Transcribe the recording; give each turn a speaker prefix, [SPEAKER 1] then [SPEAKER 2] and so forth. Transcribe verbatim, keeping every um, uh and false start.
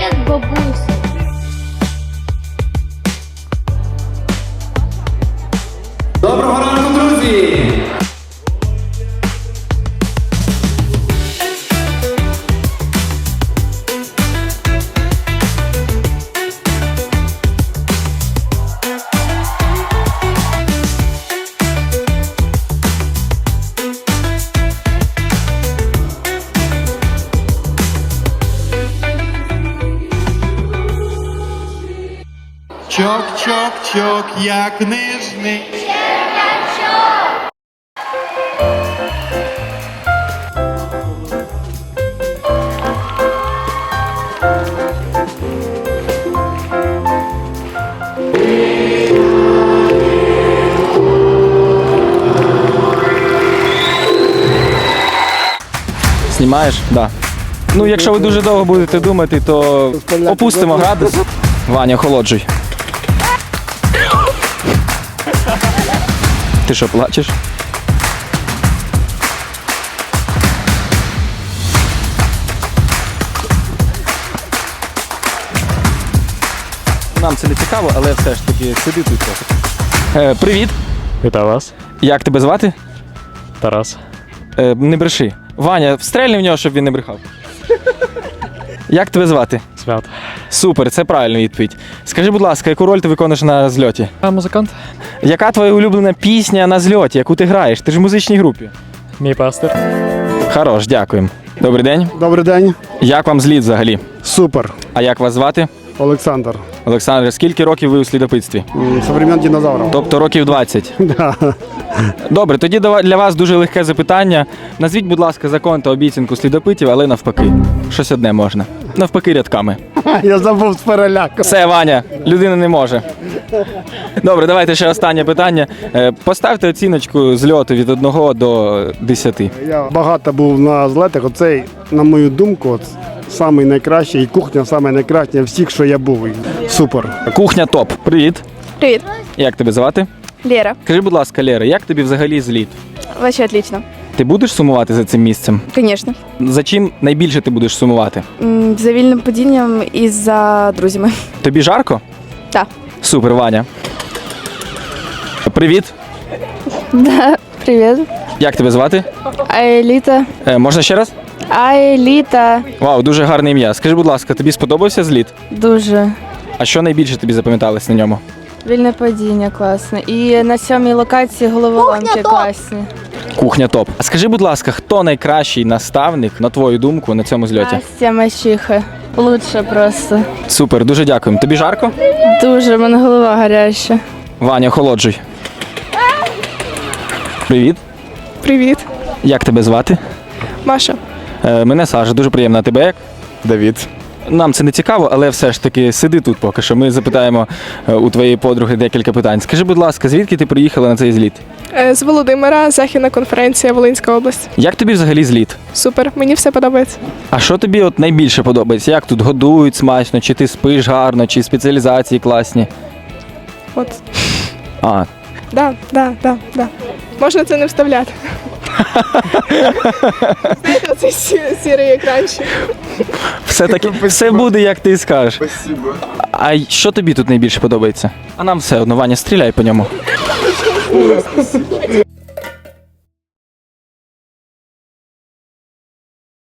[SPEAKER 1] Привіт, бабусь.
[SPEAKER 2] Доброго ранку, друзі!
[SPEAKER 3] Чок-чок-чок, як нижний.
[SPEAKER 4] Знімаєш? Да. Ну, якщо ви дуже довго будете думати, то опустимо градус. Ваня, охолоджуй. Ти що, плачеш? Нам це не цікаво, але все ж таки сиди тут. Е, привіт.
[SPEAKER 5] Вітаю вас.
[SPEAKER 4] Як тебе звати?
[SPEAKER 5] Тарас.
[SPEAKER 4] Е, не бреши. Ваня, встрельни в нього, щоб він не брехав. Як тебе звати?
[SPEAKER 5] Свят.
[SPEAKER 4] Супер, це правильна відповідь. Скажи, будь ласка, яку роль ти виконуєш на зльоті?
[SPEAKER 5] А музикант?
[SPEAKER 4] Яка твоя улюблена пісня на зльоті, яку ти граєш? Ти ж в музичній групі.
[SPEAKER 5] Мій пастир.
[SPEAKER 4] Хорош, дякуємо. Добрий день.
[SPEAKER 6] Добрий день.
[SPEAKER 4] Як вам зліт взагалі?
[SPEAKER 6] Супер.
[SPEAKER 4] А як вас звати?
[SPEAKER 6] Олександр.
[SPEAKER 4] Олександр, скільки років ви у слідопитстві?
[SPEAKER 6] М, Со времен динозавров.
[SPEAKER 4] Тобто років двадцять.
[SPEAKER 6] Да.
[SPEAKER 4] Добре, тоді дава- для вас дуже легке запитання. Назвіть, будь ласка, закон та обіцянку слідопитів, але навпаки. Щось одне можна. Навпаки рядками.
[SPEAKER 6] Я забув з переляку.
[SPEAKER 4] Все, Ваня, людина не може. Добре, давайте ще останнє питання. Е, Поставте оціночку зльоту від одного до десяти.
[SPEAKER 6] Я багато був на злетах. Оцей, на мою думку, от, самий найкращий, і кухня самий найкраща всіх, що я був. І Супер.
[SPEAKER 4] Кухня топ. Привіт.
[SPEAKER 7] Привет,
[SPEAKER 4] Як тебе звати?
[SPEAKER 7] Лера.
[SPEAKER 4] Скажи, будь ласка, Лера, як тобі взагалі зліт?
[SPEAKER 7] Вообще отлично.
[SPEAKER 4] Ти будеш сумувати за цим місцем?
[SPEAKER 7] Конечно.
[SPEAKER 4] За чим найбільше ти будеш сумувати?
[SPEAKER 7] М, За вільним падінням і за друзями.
[SPEAKER 4] Тобі жарко?
[SPEAKER 7] Так.
[SPEAKER 4] Супер, Ваня. Привіт.
[SPEAKER 7] Да, привет.
[SPEAKER 4] Як тебе звати?
[SPEAKER 7] Аеліта.
[SPEAKER 4] Е, можна ще раз?
[SPEAKER 7] Аеліта.
[SPEAKER 4] Вау, дуже гарне ім'я. Скажи, будь ласка, тобі сподобався зліт?
[SPEAKER 7] Дуже.
[SPEAKER 4] А що найбільше тобі запам'яталось на ньому?
[SPEAKER 7] Вільне падіння класне. І на сьомій локації головоломки класні.
[SPEAKER 4] Кухня топ. А скажи, будь ласка, хто найкращий наставник, на твою думку, на цьому зльоті?
[SPEAKER 7] Настя Мащиха. Лучше просто.
[SPEAKER 4] Супер, дуже дякуємо. Тобі жарко?
[SPEAKER 7] Дуже, в мене голова гаряча.
[SPEAKER 4] Ваня, охолоджуй. Привіт.
[SPEAKER 7] Привіт.
[SPEAKER 4] Як тебе звати?
[SPEAKER 7] Маша.
[SPEAKER 4] Е, мене Саша, дуже приємно. А тебе як?
[SPEAKER 2] Давід.
[SPEAKER 4] Нам це не цікаво, але все ж таки сиди тут поки що. Ми запитаємо е, у твоєї подруги декілька питань. Скажи, будь ласка, звідки ти приїхала на цей зліт?
[SPEAKER 8] З Володимира, Західна конференція, Волинська область.
[SPEAKER 4] Як тобі взагалі зліт?
[SPEAKER 8] Супер, мені все подобається.
[SPEAKER 4] А що тобі от найбільше подобається? Як тут годують смачно, чи ти спиш гарно, чи спеціалізації класні?
[SPEAKER 8] От.
[SPEAKER 4] А,
[SPEAKER 8] Да, да, да, да. Можна це не вставляти. Знаєте, цей сі- сірий екранчик.
[SPEAKER 4] все таки все буде, як ти скажеш. А й- що тобі тут найбільше подобається? А нам все одно, Ваня, стріляй по ньому.